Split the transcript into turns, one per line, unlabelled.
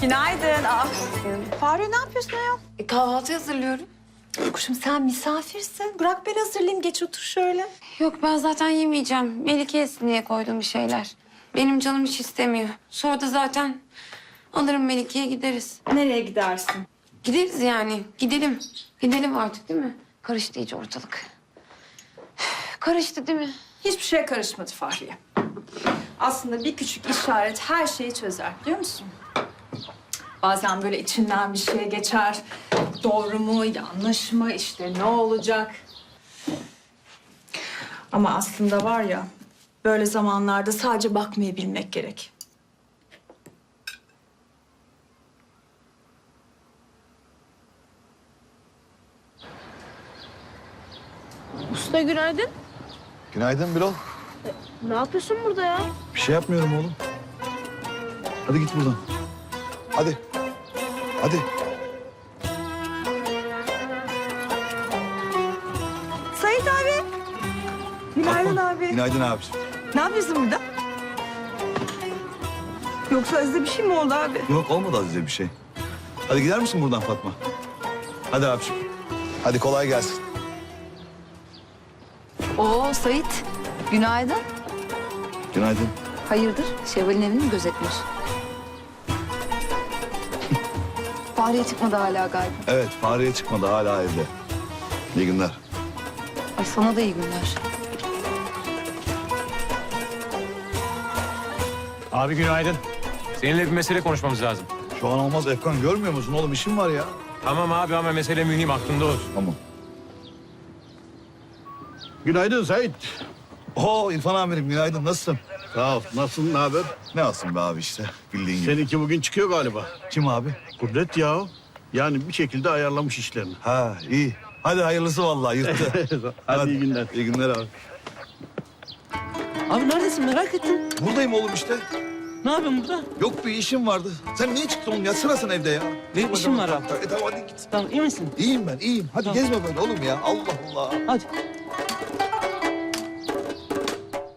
Günaydın. Fahri ne yapıyorsun ayol?
Kahvaltı hazırlıyorum.
Kuşum sen misafirsin. Bırak ben hazırlayayım. Geç otur şöyle.
Yok ben zaten yemeyeceğim. Melike yesin diye koydum bir şeyler. Benim canım hiç istemiyor. Sonra da zaten alırım Melike'ye gideriz.
Nereye gidersin?
Gideriz yani. Gidelim. Gidelim artık değil mi? Karıştı iyice ortalık. Karıştı değil mi?
Hiçbir şeye karışmadı Fahriye. Aslında bir küçük işaret her şeyi çözer biliyor musun? Bazen böyle içinden bir şey geçer. Doğru mu, yanlış mı, işte ne olacak? Ama aslında var ya, böyle zamanlarda sadece bakmayı bilmek gerek.
Usta günaydın.
Günaydın Birol.
Ne yapıyorsun burada ya?
Bir şey yapmıyorum oğlum. Hadi git buradan. Hadi. Hadi.
Sait abi. Günaydın abi.
Günaydın abiciğim.
Ne yapıyorsun burada? Yoksa Aziz'e bir şey mi oldu abi?
Yok olmadı Azize bir şey. Hadi gider misin buradan Fatma? Hadi abiciğim. Hadi kolay gelsin.
Oo Sait, günaydın.
Günaydın.
Hayırdır? Şevval'in evini mi gözetmiş? Fahriye çıkmadı hala galiba.
Evet Fahriye çıkmadı hala evde. İyi günler.
Ay sana da iyi günler.
Abi günaydın. Seninle bir mesele konuşmamız lazım.
Şu an olmaz Efkan, görmüyor musun oğlum, işim var ya.
Tamam abi ama mesele mühim, aklında olsun.
Tamam.
Günaydın Sait.
Oo İrfan amirim günaydın, nasılsın?
Sağ ol. Nasılsın, ne haber?
Ne olsun be abi işte, bildiğin gibi.
Seninki bugün çıkıyor galiba.
Kim abi?
Kudret ya. Yani bir şekilde ayarlamış işlerini.
Ha iyi. Hadi hayırlısı vallahi, yırttı.
Hadi iyi günler.
İyi günler abi.
Abi neredesin merak ettim.
Buradayım oğlum işte.
Ne yapıyorsun burada?
Yok bir işim vardı. Sen niye çıktın oğlum? Yatsana sen evde ya.
Benim işim var abi.
Tamam hadi git.
Tamam iyi misin?
İyiyim ben, iyiyim. Hadi
Tamam.
gezme böyle oğlum ya. Allah Allah.
Hadi.